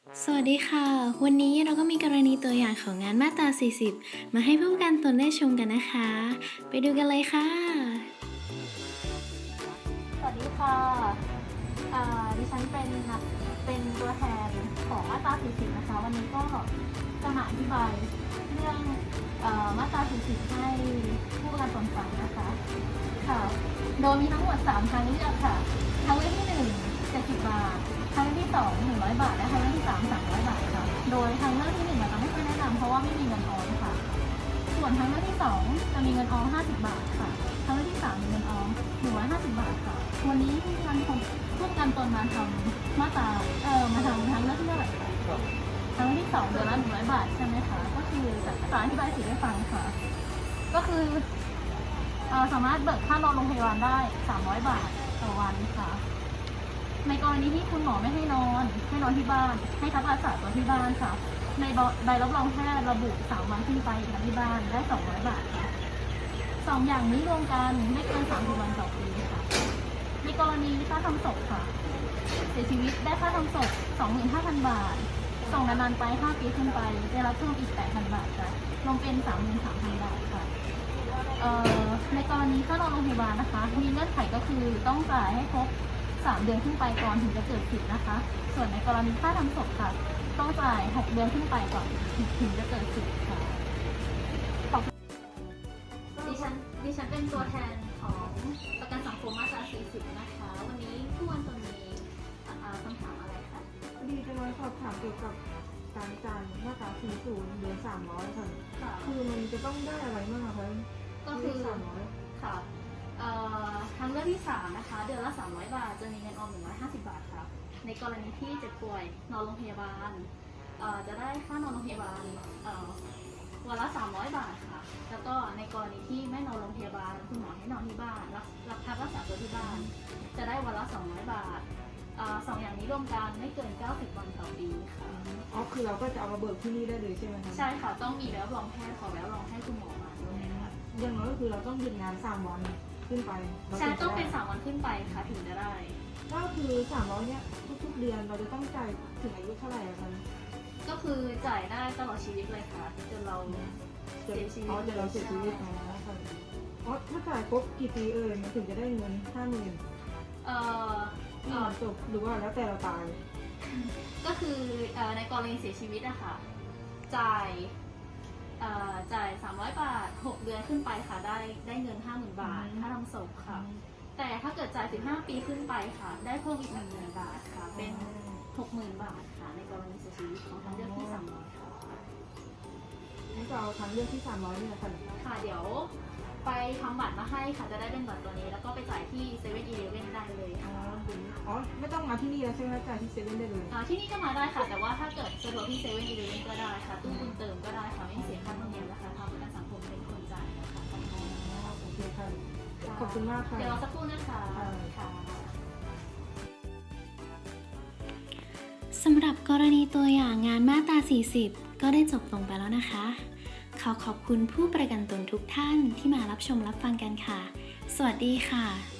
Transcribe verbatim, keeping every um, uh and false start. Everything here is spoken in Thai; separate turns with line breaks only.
สวัสดีค่ะ วันนี้เราก็มีกรณีตัวอย่างของงานมาตรา สี่สิบ มาให้ผู้ประกันตนได้ชมกันนะคะ ไปดูกันเลยค่ะ
สวัสดีค่ะอ่าดิฉันเป็นนักเป็นตัวแทนของมาตรา สี่สิบ นะคะ วันนี้ก็จะมาอธิบายเรื่องเอ่อมาตรา สี่สิบ ให้ผู้ประกันตนฟังนะคะ ค่ะ โดยมีทั้งหมด สาม ทางเลือกค่ะ ทางเลือกที่ หนึ่ง เจ็ดสิบ บาท ทางเลือกที่ สอง หนึ่งร้อย บาท และทางเลือกที่ สาม สามร้อย บาทค่ะ โดยทางเลือกที่ หนึ่ง เราจะไม่ค่อยแนะนำเพราะว่าไม่มีเงินออมค่ะ ส่วนทางเลือกที่ สอง จะมีเงินออม ห้าสิบ บาทค่ะทางเลือกที่ สาม มีเงินออม หนึ่งร้อยห้าสิบ บาทค่ะ วันนี้ที่ทางคนร่วมกันตนมาทำมาตราเอ่อมาทำทางเลือกที่เท่าไหร่คะทางเลือกที่สองเดือนละหนึ่งร้อยบาทใช่ไหมคะ ก็คือจะจะอธิบายสิทธิ์ให้ฟังค่ะ ก็คือเอ่อสามารถเบิกค่านอนโรงพยาบาลได้ สามร้อย บาทต่อวันค่ะ ในกรณีที่คุณหมอไม่ให้นอน ให้นอนที่บ้าน ให้พักรักษาตัวที่บ้านค่ะ ในใบรับรองแพทย์ระบุสามวันขึ้นไปอยู่ที่บ้านได้สองร้อยบาทค่ะสองอย่างนี้รวมกันไม่เกินสามสิบวันต่อปีค่ะ ในกรณีค่าทำศพค่ะ เสียชีวิตได้ค่าทำศพ สองหมื่นห้าพัน บาทส่งนานๆไปห้าปีขึ้นไปได้รับเพิ่มอีก แปดพัน บาทค่ะรวมเป็น สามหมื่นสามพัน บาทค่ะเอ่อในกรณีค่านอนโรงพยาบาลนะคะมีเงื่อนไขก็คือต้องจ่ายให้ครบสามเดือนขึ้นไปก่อนถึงจะเกิดสิทธิ์นะคะ ส่วนในกรณีค่าทำศพค่ะต้องจ่ายหกเดือนขึ้นไปก่อนถึงจะเกิดสิทธิ์ค่ะขอบคุณดิฉันดิฉันเป็นตัวแทนของประกันสังคมมาตรา สี่สิบ นะคะ วันนี้ผู้วันตัวมีอ่าคำถามอะไรคะ
พอดีจะมาสอบถามเกี่ยวกับการจ่ายมาตราสี่สิบเดือนสามร้อยค่ะ
ค่ะ
คือมันจะต้องได้อะไรบ้างอะคะ
ก็คือ
สามร้อย
ค่ะเอ่อทางเลือกที่สามนะคะ เดือนละสามร้อยบาท จะมีเงินออมหนึ่งร้อยห้าสิบบาทค่ะ ในกรณีที่เจ็บป่วยนอนโรงพยาบาลเอ่อจะได้ค่านอนโรงพยาบาลเอ่อวันละสามร้อยบาทค่ะ แล้วก็ในกรณีที่ไม่นอนโรงพยาบาลคุณหมอให้นอนที่บ้านรับรับพักรักษาตัวที่บ้าน จะได้วันละสองร้อยบาทเอ่อสองอย่างนี้รวมกันไม่เกินเก้าสิบวันต่อปีค่ะ
อ๋อคือเราก็จะเอามาเบิกที่นี่ได้เลยใช่ไหมคะ
ใช่ค่ะ ต้องมีใบรับรองแพทย์ขอใบรับรองให้คุณหมอมาด้วยค่ะ
อย่างน้อยก็คือเราต้องหยุดงานสามวันขึ้นไปรา
ใช่
ถึจะ
ต้องเป็น
ได้
สามวันขึ้นไปค่ะถึงจะได้
ก็คือสามร้อยเนี้ยทุกๆเดือนเราจะต้องจ่ายถึงอายุเท่าไหร่อะคะ
ก็คือจ่ายได้ตลอดชีวิตเลยค่ะจนเราเสียชีวิต
อ๋อจะเราเสียชีวิตอ๋อค่ะอ๋อถ้าจ่ายครบกี่ปีเอ่ยมันถึงจะได้เงินห้าหมื่น
เอ่อ
ที่
เอ่อ
จบหรือว่าแล้วแต่เราตาย
ก็คือเอ่อในกรณีเสียชีวิตอะค่ะจ่ายเอ่อจ่ายสามร้อยบาทหกเดือนขึ้นไปค่ะได้ได้เงินห้าหมื่นบาท
อืม
ค่าทำศพค่ะ แต่ถ้าเกิดจ่ายสิบห้าปีขึ้นไปค่ะ ได้เพิ่มอีกหนึ่งหมื่นบาทค่ะ เป็นหกหมื่นบาทค่ะ ในกรณีเสียชีวิตของทางเลือกที่สามร้อยค่ะ
นี่ก็เอาทางเลือกที่สามร้อยเนี่ยค่ะ
ค่ะเดี๋ยวไปทำบัตรมาให้ค่ะจะได้เป็นบัตรตัวนี้ แล้วก็ไปจ่ายที่เซเว่นอีเลฟเว่นได้เลย
อ๋อ
ค่ะ
อ๋อ ไม่ต้องมาที่นี่แล้วใช่ไหมจ่ายที่เซเว่นได้เลย
อ่าที่นี่ก็มาได้ค่ะ แต่ว่าถ้าเกิดสะดวกที่เซเว่นอีเลฟเว่นก็ได้ค่ะ ตู้บุญเติมก็ได้ค่ะ ไม่เสียค่าธรรมเนียมนะคะทางประกันสังคมเป็นคนจ่ายนะคะขอบคุณ
อ๋อ โอเคค่ะ ขอบคุณมากค่ะ
เดี๋ยวรอสักครู่นะคะ
ค่ะ
ค่ะ
สำหรับกรณีตัวอย่างงานมาตรา สี่สิบ ก็ได้จบลงไปแล้วนะคะ ขอขอบคุณผู้ประกันตนทุกท่านที่มารับชมรับฟังกันค่ะ สวัสดีค่ะ